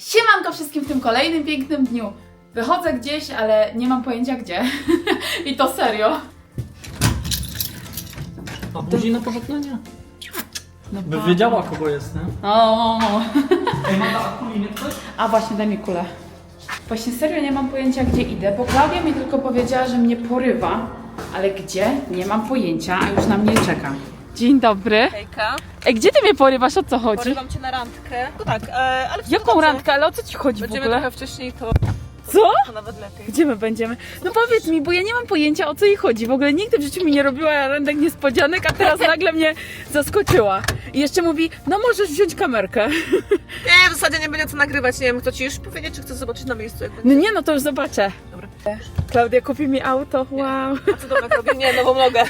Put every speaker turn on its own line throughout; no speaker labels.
Siemanko wszystkim w tym kolejnym pięknym dniu. Wychodzę gdzieś, ale nie mam pojęcia gdzie. I to serio.
A buzi na pożegnanie?
No
By wiedziała kogo jest, nie?
O.
Ej, Mata, a kuli nie ktoś?
A właśnie, daj mi kulę. Właśnie serio nie mam pojęcia gdzie idę, bo Klaudia mi tylko powiedziała, że mnie porywa. Ale gdzie? Nie mam pojęcia, a już na mnie czeka. Dzień dobry.
Hejka,
Ej, gdzie ty mnie porywasz? O co chodzi?
porywam cię na randkę. No tak, ale w
Jaką randkę? Ale o co ci chodzi w
Będziemy
ogóle?
trochę wcześniej, to
Co?
nawet lepiej.
Gdzie my będziemy? No powiedz mi, bo ja nie mam pojęcia o co jej chodzi. W ogóle nigdy w życiu mi nie robiła randek niespodzianek, a teraz nagle mnie zaskoczyła. I jeszcze mówi, no możesz wziąć kamerkę.
Nie, w zasadzie nie będzie co nagrywać, nie wiem, kto ci już powiedzieć, czy chcesz zobaczyć na miejscu, jak będzie.
No nie, no to już zobaczę.
Dobra.
Klaudia kupi mi auto, wow.
A co Tomek robi? Nie, nową nogę.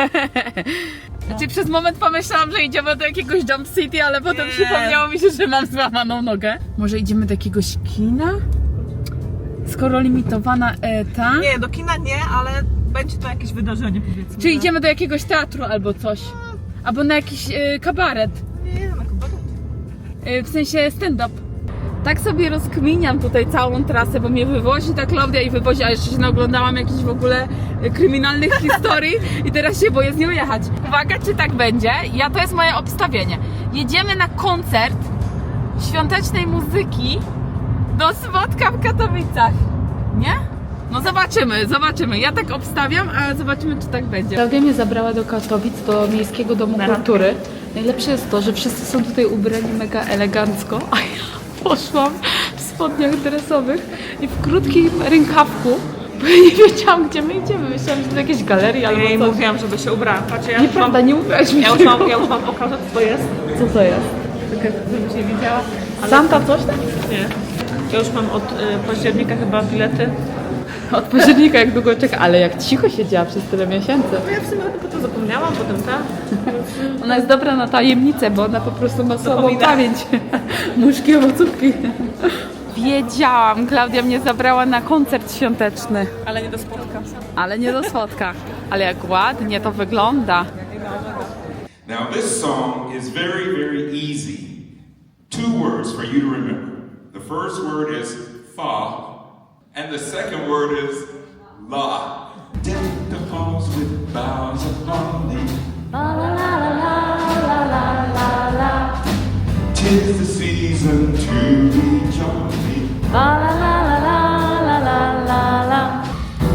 Znaczy przez moment pomyślałam, że idziemy do jakiegoś Jump City, ale potem
Nie.
przypomniało mi się, że mam złamaną nogę. Może idziemy do jakiegoś kina? Skoro limitowana ta?
Nie, do kina nie, ale będzie to jakieś wydarzenie, powiedzmy.
Czy idziemy do jakiegoś teatru albo coś? Albo na jakiś kabaret?
Nie, na kabaret.
W sensie stand-up. Tak sobie rozkminiam tutaj całą trasę, bo mnie wywozi ta Klaudia i wywozi, a jeszcze się naoglądałam jakichś w ogóle kryminalnych historii i teraz się boję z nią jechać. Uwaga, czy tak będzie? To jest moje obstawienie. Jedziemy na koncert świątecznej muzyki do Swodka w Katowicach. Nie? No zobaczymy. Ja tak obstawiam, a zobaczymy, czy tak będzie. Klaudia mnie zabrała do Katowic, do Miejskiego Domu Kultury. Najlepsze jest to, że wszyscy są tutaj ubrani mega elegancko, a ja poszłam w spodniach dresowych i w krótkim rękawku, bo ja nie wiedziałam, gdzie my idziemy. Myślałam, że to jakieś galerie albo
Ja jej
coś.
mówiłam, żeby się ubrała. Patrz, ja
Nieprawda, nie mówiłaś mi
ja już
tego.
mam pokazać, co to jest.
Co to jest?
Żebyś nie widziała.
Santa coś tam?
Nie. Ja już mam od października chyba bilety.
Od października jak długo czeka, ale jak cicho siedziała przez tyle miesięcy.
No ja w sumie potem zapomniałam, potem tak.
Ona jest dobra na tajemnicę, bo ona po prostu ma słabą
Zapomina.
pamięć. Muszki, owocówki. Wiedziałam, Klaudia mnie zabrała na koncert świąteczny.
Ale nie do spotka.
Ale nie do Swodka. Ale jak ładnie to wygląda.
Now, this song is very, very easy. 2 words for you to remember. The first word is fa, and the second word is la. Deck the halls with boughs of holly. La la la la la la la. 'Tis the season to be jolly. La la la la la la la la.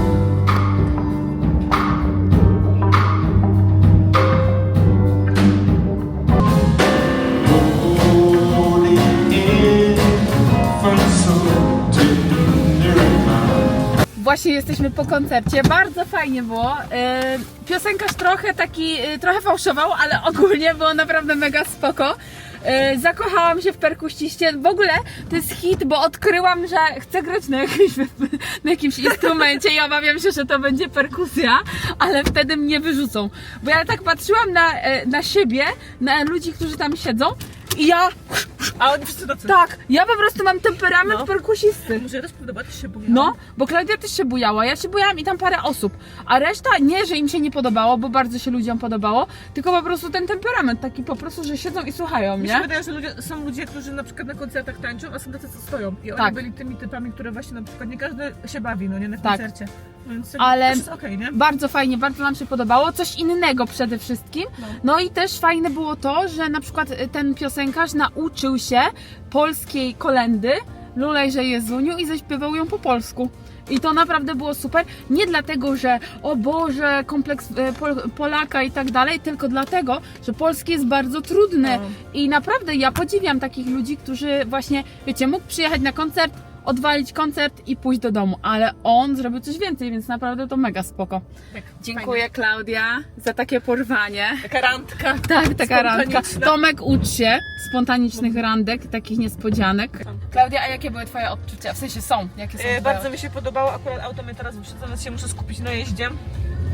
Właśnie jesteśmy po koncercie, bardzo fajnie było. Piosenkarz trochę fałszował, ale ogólnie było naprawdę mega spoko. Zakochałam się w perkusiście. W ogóle to jest hit, bo odkryłam, że chcę grać na jakimś instrumencie i obawiam się, że to będzie perkusja, ale wtedy mnie wyrzucą. Bo ja tak patrzyłam na siebie, na ludzi, którzy tam siedzą i ja...
A oni wszyscy tacy.
Tak, ja po prostu mam temperament perkusisty.
Może ja też podoba, ty się boję.
No, bo Klaudia też się bujała, ja się bujałam i tam parę osób, a reszta nie, że im się nie podobało, bo bardzo się ludziom podobało, tylko po prostu ten temperament taki po prostu, że siedzą i słuchają,
Mi się
nie?
wydaje, że są ludzie, którzy na przykład na koncertach tańczą, a są tacy, co stoją. I oni
Tak.
byli tymi typami, które właśnie na przykład nie każdy się bawi, no nie, na
Tak.
koncercie. Więc
Ale
też jest okej, nie?
bardzo fajnie, bardzo nam się podobało, coś innego przede wszystkim. No i też fajne było to, że na przykład ten piosenkarz nauczył się polskiej kolędy Lulejże Jezuniu i zaśpiewał ją po polsku. I to naprawdę było super. Nie dlatego, że o Boże, kompleks Polaka i tak dalej, tylko dlatego, że polski jest bardzo trudny. I naprawdę ja podziwiam takich ludzi, którzy właśnie, wiecie, mógł przyjechać na koncert, odwalić koncert i pójść do domu, ale on zrobił coś więcej, więc naprawdę to mega spoko.
Tak,
Dziękuję
fajnie.
Klaudia za takie porwanie.
Taka randka.
Tak, taka randka.
Spontaniczna.
Tomek, ucz się spontanicznych randek, takich niespodzianek. Klaudia, a jakie były twoje odczucia? W sensie są, jakie są twoje?
Bardzo mi się podobało, akurat auto mnie teraz wyprzedza, więc się muszę skupić na jeździe.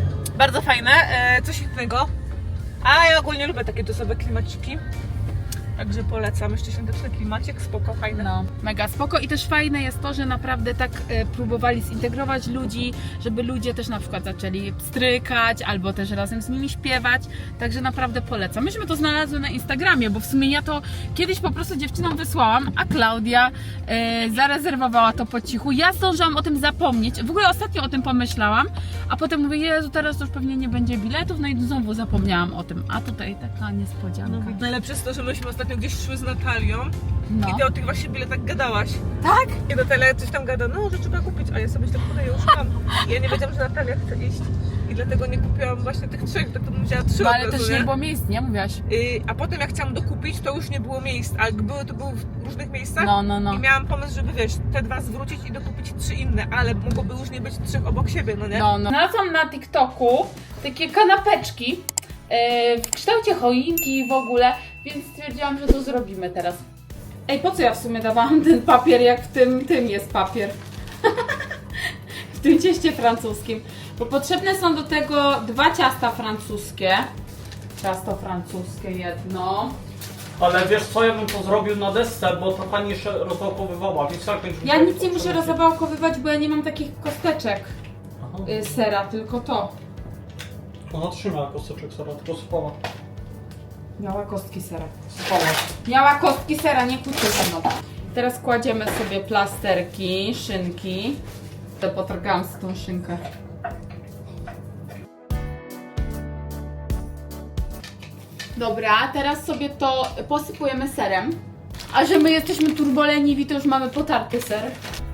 Bardzo fajne, coś innego. A ja ogólnie lubię takie czasowe klimaciki. Także polecam. Jeszcze świąteczny klimacik, spoko, fajny.
No, mega spoko i też fajne jest to, że naprawdę tak próbowali zintegrować ludzi, żeby ludzie też na przykład zaczęli strykać albo też razem z nimi śpiewać, także naprawdę polecam. Myśmy to znalazły na Instagramie, bo w sumie ja to kiedyś po prostu dziewczynom wysłałam, a Klaudia zarezerwowała to po cichu. Ja zdążyłam o tym zapomnieć, w ogóle ostatnio o tym pomyślałam, a potem mówię, Jezu, teraz to już pewnie nie będzie biletów, no i znowu zapomniałam o tym, a tutaj taka niespodzianka.
Najlepsze jest to, że myśmy ostatnio gdzieś szły z Natalią
No.
i ty o tych właśnie biletach gadałaś.
Tak?
I Natalia coś tam gada, no, że trzeba kupić, a ja sobie tak podaję, już mam. I ja nie wiedziałam, że Natalia chce iść i dlatego nie kupiłam właśnie tych 3, tak to bym wzięła 3
No,
od
ale
razu,
też nie było miejsc, nie? Mówiłaś.
A potem jak chciałam dokupić, to już nie było miejsc, a jak były, to były w różnych miejscach.
No.
I miałam pomysł, żeby wiesz, te 2 zwrócić i dokupić 3 inne, ale mogłoby już nie być 3 obok siebie, no nie?
No. Znalazłam na TikToku takie kanapeczki w kształcie choinki w ogóle, więc stwierdziłam, że to zrobimy teraz. Ej, po co ja w sumie dawałam ten papier, jak w tym jest papier? W tym cieście francuskim. Bo potrzebne są do tego 2 ciasta francuskie. Ciasto francuskie jedno.
Ale wiesz co, ja bym to zrobił na desce, bo ta pani jeszcze rozwałkowywała, więc tak będzie.
Ja nic nie muszę rozwałkowywać, bo ja nie mam takich kosteczek
Aha.
sera, tylko to.
Ona trzyma kosteczek sera, tylko spała.
Miała kostki sera.
Spała.
Miała kostki sera, nie kłóćcie ze mną. Teraz kładziemy sobie plasterki, szynki. To potargałam z tą szynkę. Dobra, teraz sobie to posypujemy serem. A że my jesteśmy turboleniwi, to już mamy potarty ser.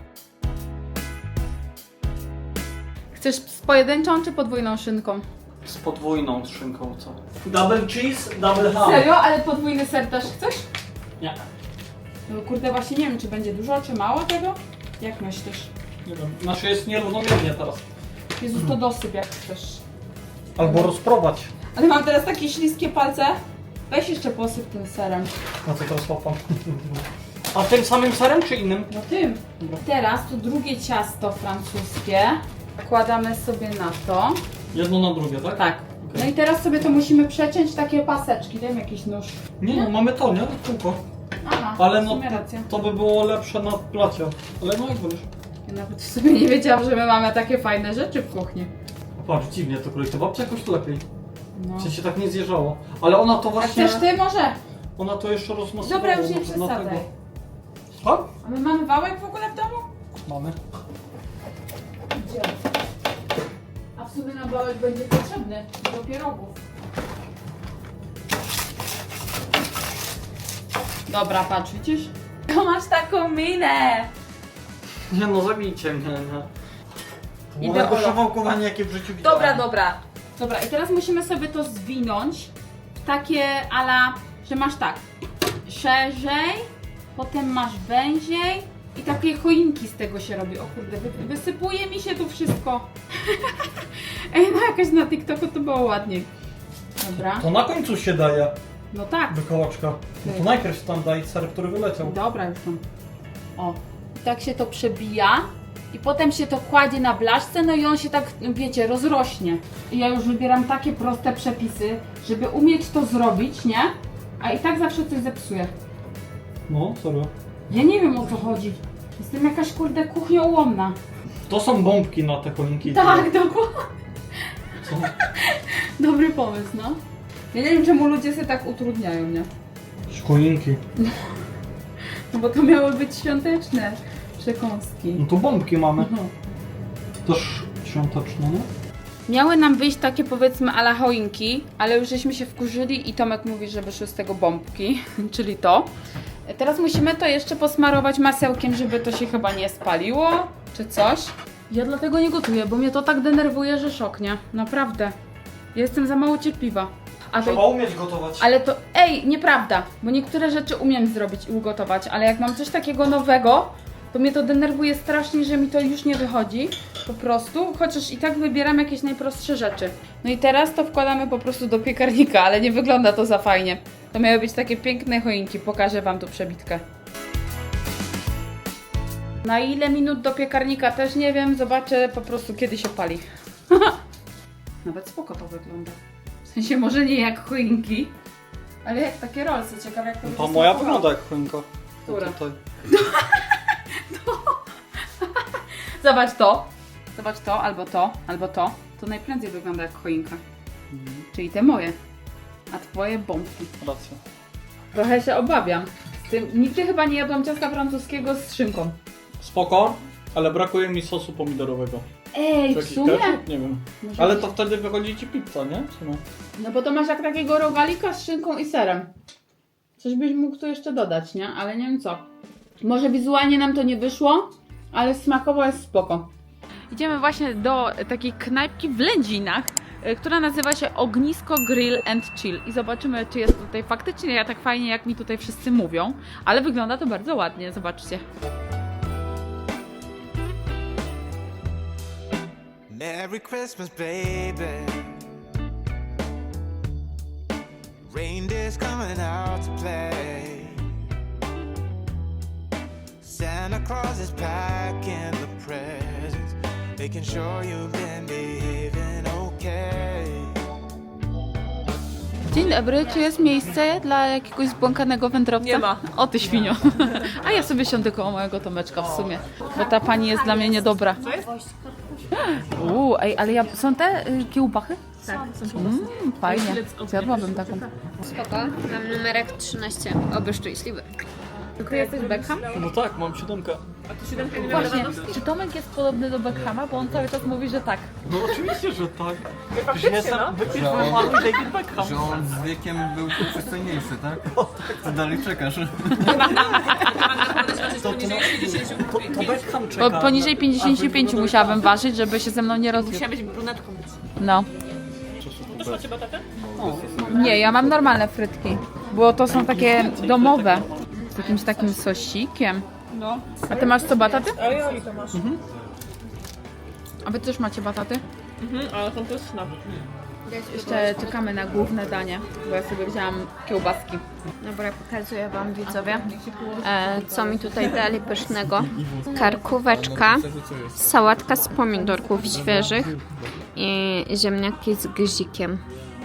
Chcesz z pojedynczą czy podwójną szynką?
Z podwójną szynką, co? Double cheese, double ham.
Serio? Ale podwójny ser też chcesz?
Nie,
No kurde, właśnie nie wiem, czy będzie dużo, czy mało tego? Jak myślisz?
nie wiem. Znaczy jest nierównomiernie teraz.
Jezus, to dosyp jak chcesz.
Albo rozprowadź.
Ale mam teraz takie śliskie palce. Weź jeszcze posyp tym serem.
A co teraz łapam? A tym samym serem czy innym?
No tym. Teraz to drugie ciasto francuskie. Wkładamy sobie na to.
Jedno na drugie, tak?
Tak. No i teraz sobie to musimy przeciąć takie paseczki. Dajmy jakiś nóż.
Nie no, mamy to, nie? Kółko.
Aha,
Ale
w
no
sumie racja.
to by było lepsze na placie. Ale no jak wolisz.
Ja nawet w sumie nie wiedziałam, że my mamy takie fajne rzeczy w kuchni.
Patrz, dziwnie to kroi. To babcia jakoś to lepiej.
No.
W sensie tak nie zjeżdżało. Ale ona to
A
właśnie...
chcesz ty może?
Ona to jeszcze rozmasowała.
Dobra, już nie
może
przesadzaj.
dlatego. Tak?
A my mamy wałek w ogóle w domu?
Mamy.
Gdzie? A w sumie nam wałek będzie potrzebny do pierogów. Dobra, patrz, widzisz? To masz taką minę!
Nie no, zabijcie mnie, nie.
Idę,
Było
Ola.
szawałkowanie jakie w życiu widziałem.
Dobra. Dobra, i teraz musimy sobie to zwinąć w takie ala, że masz tak, szerzej, potem masz węziej i takie choinki z tego się robi. O kurde, wysypuje mi się tu wszystko. Ej, no jakoś na TikToku to było ładniej. Dobra,
To na końcu się daje
no tak.
do kołaczka. No to najpierw tam daj ser, który wyleciał.
Dobra, już tam. O, i tak się to przebija i potem się to kładzie na blaszce, no i on się tak, wiecie, rozrośnie. I ja już wybieram takie proste przepisy, żeby umieć to zrobić, nie? A i tak zawsze coś zepsuję.
No, serio.
Ja nie wiem, o co chodzi. Jestem jakaś kurde kuchnioułomna.
To są bombki na te choinki.
Tak, dokładnie.
Co?
Dobry pomysł, no. Ja nie wiem, czemu ludzie sobie tak utrudniają, nie?
Choinki.
No bo to miały być świąteczne przekąski.
No to bombki mamy.
No.
Też świąteczne, nie?
Miały nam wyjść takie powiedzmy ala choinki, ale już żeśmy się wkurzyli i Tomek mówi, że wyszły z tego bombki, czyli to. Teraz musimy to jeszcze posmarować masełkiem, żeby to się chyba nie spaliło, czy coś. Ja dlatego nie gotuję, bo mnie to tak denerwuje, że szok, nie? Naprawdę. Ja jestem za mało cierpliwa. A
Trzeba
to,
umieć gotować.
ale to, ej, nieprawda, bo niektóre rzeczy umiem zrobić i ugotować, ale jak mam coś takiego nowego, to mnie to denerwuje strasznie, że mi to już nie wychodzi, po prostu, chociaż i tak wybieram jakieś najprostsze rzeczy. No i teraz to wkładamy po prostu do piekarnika, ale nie wygląda to za fajnie. To miały być takie piękne choinki, pokażę Wam tu przebitkę. Na ile minut do piekarnika też nie wiem, zobaczę po prostu kiedy się pali. Nawet spoko to wygląda. W sensie może nie jak choinki, Ale jak takie rolsy, ciekawe jak to
To
będzie
moja
smakowało.
wygląda jak choinka.
Która?
Tutaj.
Zobacz to. Zobacz to, albo to, albo to. To najprędzej wygląda jak choinka. Czyli te moje. A twoje bombki.
Racja.
Trochę się obawiam. Z tym, nigdy chyba nie jadłam ciasta francuskiego z szynką.
Spoko, ale brakuje mi sosu pomidorowego.
Ej,
Czy
w
jakiś
sumie?
ketchup? Nie wiem.
Może
Ale
być.
to wtedy wychodzi ci pizza, nie? Czy no?
No bo to masz jak takiego rogalika z szynką i serem. Coś byś mógł tu jeszcze dodać, nie? Ale nie wiem co. Może wizualnie nam to nie wyszło, ale smakowo jest spoko. Idziemy właśnie do takiej knajpki w Lędzinach, która nazywa się Ognisko Grill and Chill. I zobaczymy, czy jest tutaj faktycznie tak fajnie, jak mi tutaj wszyscy mówią. Ale wygląda to bardzo ładnie, zobaczcie.
Merry Christmas, baby. Reindeer's coming out to play. Santa Claus is packing the presents, making sure you've been behaving okay.
Dzień dobry, czy jest miejsce dla jakiegoś zbłąkanego wędrowca?
Nie ma.
O ty świnio. A ja sobie siądę koło mojego Tomeczka w sumie, bo ta pani jest dla mnie niedobra.
Co jest?
Ej, ale są te kiełbachy?
Tak, są
Fajnie, zjadłabym taką.
Spoko, mam numerek 13, oby szczęśliwy.
Ty jesteś Beckham?
No tak, mam 7.
A tu 7 nie
Właśnie, czy Tomek jest podobny do Beckhama? Bo on cały czas mówi, że tak.
No oczywiście, że tak. Przecież
Faktycznie,
jestem
no.
wypierdolony mały David Beckham.
Że on z wiekiem był przystojniejszy, tak? To dalej czekasz.
To Beckham czeka.
Poniżej 55 musiałabym ważyć, żeby się ze mną nie rozwiódł.
Musiała być brunetką.
No.
Też macie batatę?
Nie, ja mam normalne frytki, bo to są takie domowe. Z jakimś takim sosikiem.
No.
A ty masz co, bataty?
A ja i to masz.
A wy też macie bataty?
Ale są pyszne.
Jeszcze czekamy na główne danie, bo ja sobie wzięłam kiełbaski.
Dobra, pokazuję wam widzowie, co mi tutaj dali pysznego. Karkóweczka, sałatka z pomidorków świeżych i ziemniaki z gzikiem.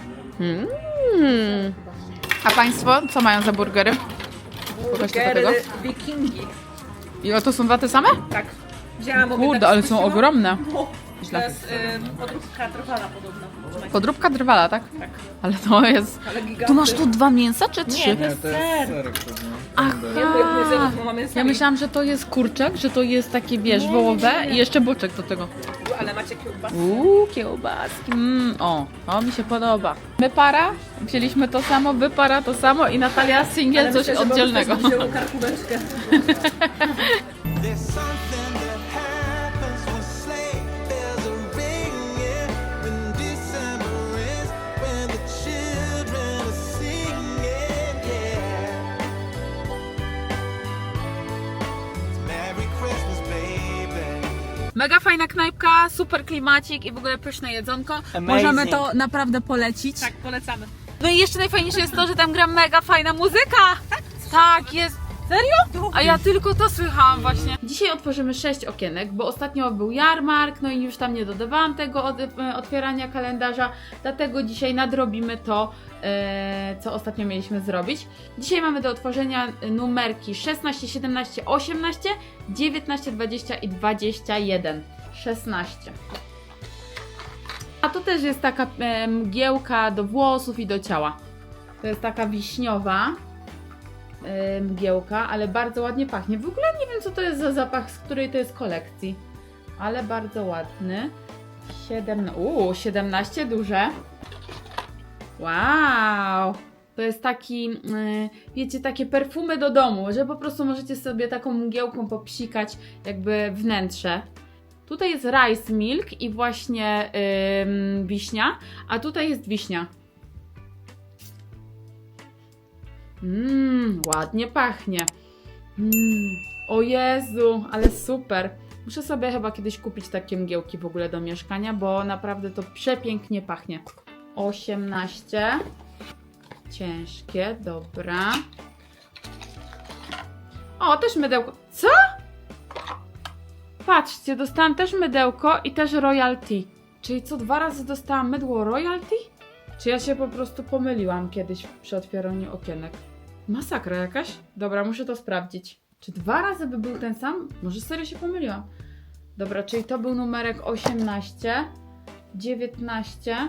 A państwo co mają za burgery? Pokażcie do tego.
wikingi.
I o, to są dwa te same?
Tak. Wzięłam obie
Kurde,
tak
ale są
spuściłam.
ogromne.
To
Źle.
jest podróbka trwala podobna.
Podróbka drwala, tak?
Tak.
Ale to jest...
Ale giganty.
Tu masz tu 2 mięsa czy 3?
Nie, to jest ser.
Aha!
Mamy
Ja myślałam, że to jest kurczak, że to jest takie, wiesz, wołowe i jeszcze boczek do tego.
Ale macie kiełbasę.
Kiełbaski. To mi się podoba. My para, wzięliśmy to samo, wy para to samo i Natalia singiel coś oddzielnego.
Wzięło karkóweczkę.
There's something that happens when sleigh bells are ringing, when December is, when the children are singing, yeah. It's Merry Christmas, baby.
Mega fajna knajpka, super klimacik i w ogóle pyszne jedzonko. Możemy to naprawdę polecić.
Tak, polecamy.
No i jeszcze najfajniejsze jest to, że tam gra mega fajna muzyka. Tak, jest. Serio? A ja tylko to słychałam właśnie. Dzisiaj otworzymy 6 okienek, bo ostatnio był jarmark, no i już tam nie dodawałam tego otwierania kalendarza, dlatego dzisiaj nadrobimy to, co ostatnio mieliśmy zrobić. Dzisiaj mamy do otworzenia numerki 16, 17, 18, 19, 20 i 21. 16. A to też jest taka mgiełka do włosów i do ciała. To jest taka wiśniowa mgiełka, ale bardzo ładnie pachnie. W ogóle nie wiem, co to jest za zapach, z której to jest kolekcji, ale bardzo ładny. 17 duże. Wow! To jest taki, wiecie, takie perfumy do domu, że po prostu możecie sobie taką mgiełką popsikać jakby wnętrze. Tutaj jest rice milk i właśnie wiśnia, a tutaj jest wiśnia. Ładnie pachnie. O Jezu, ale super. Muszę sobie chyba kiedyś kupić takie mgiełki w ogóle do mieszkania, bo naprawdę to przepięknie pachnie. 18. Ciężkie, dobra. O, też mydełko. Co? Patrzcie, dostałam też mydełko i też royalty. Czyli co, 2 razy dostałam mydło royalty? Czy ja się po prostu pomyliłam kiedyś przy otwieraniu okienek? Masakra jakaś? Dobra, muszę to sprawdzić. Czy 2 razy by był ten sam? Może serio się pomyliłam. Dobra, czyli to był numerek 18, 19,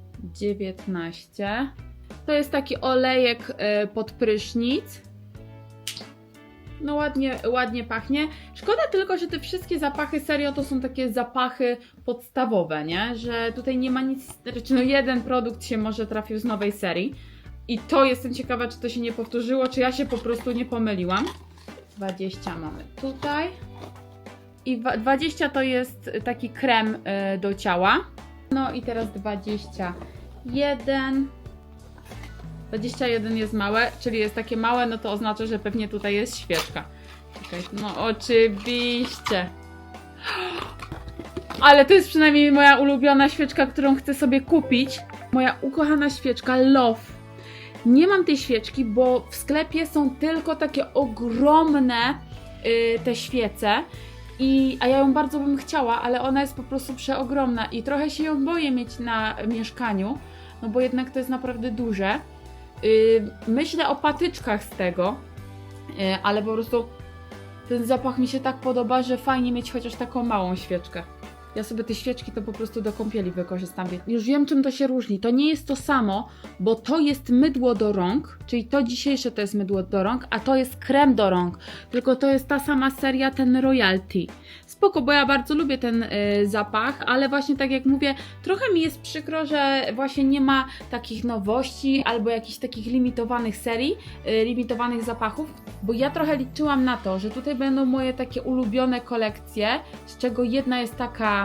19. To jest taki olejek pod prysznic. No ładnie pachnie. Szkoda tylko, że te wszystkie zapachy serio to są takie zapachy podstawowe, nie? Że tutaj nie ma nic, znaczy no jeden produkt się może trafił z nowej serii. I to jestem ciekawa, czy to się nie powtórzyło, czy ja się po prostu nie pomyliłam. 20 mamy tutaj. I 20 to jest taki krem do ciała. No i teraz 21. 21 jest małe, czyli jest takie małe, no to oznacza, że pewnie tutaj jest świeczka. Czekaj, no oczywiście. Ale to jest przynajmniej moja ulubiona świeczka, którą chcę sobie kupić. Moja ukochana świeczka Love. Nie mam tej świeczki, bo w sklepie są tylko takie ogromne te świece. A ja ją bardzo bym chciała, ale ona jest po prostu przeogromna i trochę się ją boję mieć na mieszkaniu, no bo jednak to jest naprawdę duże. Myślę o patyczkach z tego, ale po prostu ten zapach mi się tak podoba, że fajnie mieć chociaż taką małą świeczkę. Ja sobie te świeczki to po prostu do kąpieli wykorzystam. Już wiem, czym to się różni. To nie jest to samo, bo to jest mydło do rąk, czyli to dzisiejsze to jest mydło do rąk, a to jest krem do rąk. Tylko to jest ta sama seria, ten Royalty. Spoko, bo ja bardzo lubię ten zapach, ale właśnie tak jak mówię, trochę mi jest przykro, że właśnie nie ma takich nowości albo jakichś takich limitowanych serii, limitowanych zapachów, bo ja trochę liczyłam na to, że tutaj będą moje takie ulubione kolekcje, z czego jedna jest taka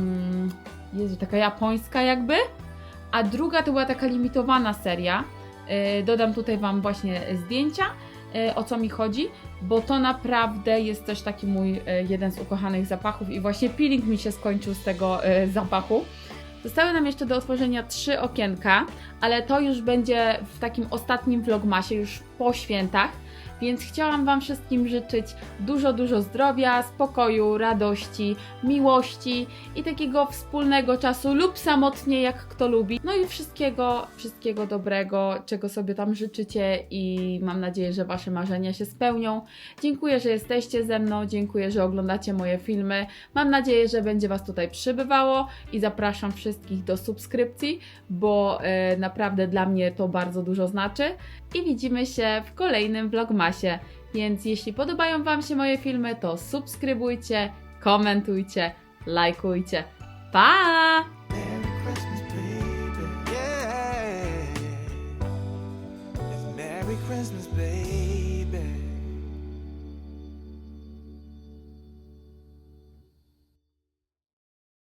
taka japońska jakby, a druga to była taka limitowana seria. Dodam tutaj Wam właśnie zdjęcia, o co mi chodzi, bo to naprawdę jest też taki mój jeden z ukochanych zapachów i właśnie peeling mi się skończył z tego zapachu. Zostały nam jeszcze do otworzenia 3 okienka, ale to już będzie w takim ostatnim vlogmasie, już po świętach. Więc chciałam Wam wszystkim życzyć dużo zdrowia, spokoju, radości, miłości i takiego wspólnego czasu lub samotnie, jak kto lubi. No i wszystkiego dobrego, czego sobie tam życzycie i mam nadzieję, że Wasze marzenia się spełnią. Dziękuję, że jesteście ze mną, dziękuję, że oglądacie moje filmy. Mam nadzieję, że będzie Was tutaj przybywało i zapraszam wszystkich do subskrypcji, bo naprawdę dla mnie to bardzo dużo znaczy. I widzimy się w kolejnym vlogmasie, więc jeśli podobają Wam się moje filmy, to subskrybujcie, komentujcie, lajkujcie. Pa!
Merry Christmas, baby. Yeah. It's Merry Christmas, baby.